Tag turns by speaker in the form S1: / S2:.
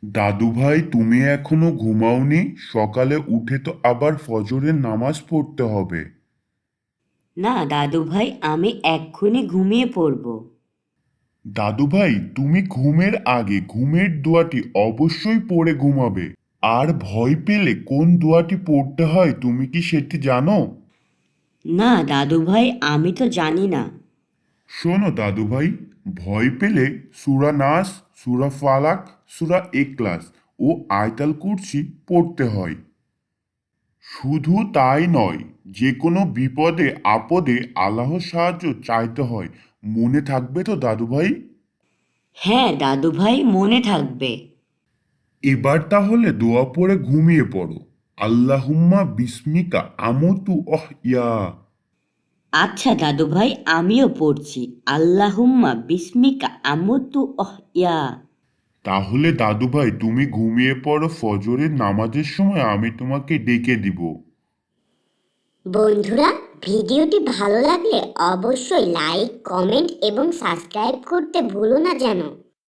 S1: দাদু ভাই, তুমি এখনো ঘুমাওনি? সকালে উঠে তো আবার ফজরের নামাজ পড়তে হবে।
S2: না দাদু ভাই, আমি এক্ষুনি ঘুমিয়ে পড়ব।
S1: দাদু ভাই, তুমি ঘুমের আগে ঘুমের দোয়াটি অবশ্যই পড়ে ঘুমাবে। আর ভয় পেলে কোন দোয়াটি পড়তে হয় তুমি কি সেটি জানো?
S2: না দাদু ভাই, আমি তো জানি না।
S1: শোনো দাদু ভাই, ভয় পেলে সূরা নাস, সূরা ফালাক, সূরা ইখলাস ও আয়াতুল কুরসি পড়তে হয়। শুধু তাই নয়, যে কোনো বিপদে আপদে আল্লাহর সাহায্য চাইতে হয়। মনে থাকবে তো দাদু ভাই?
S2: হ্যাঁ দাদু ভাই, মনে থাকবে।
S1: এবার তাহলে দোয়া পড়ে ঘুমিয়ে পড়ো। আল্লাহুম্মা বিস্মিকা আমতু ইয়া।
S2: আচ্ছা দাদু ভাই, আমিও পড়ছি। আল্লাহুম্মা বিস্মিকা আমুতু ইয়া।
S1: তাহলে দাদু ভাই, তুমি ঘুমিয়ে পড়ো। ফজরের নামাজের সময় আমি তোমাকে ডেকে দিব।
S3: বন্ধুরা, ভিডিওটি ভালো লাগলে অবশ্যই লাইক, কমেন্ট এবং সাবস্ক্রাইব করতে ভুলো না যেন।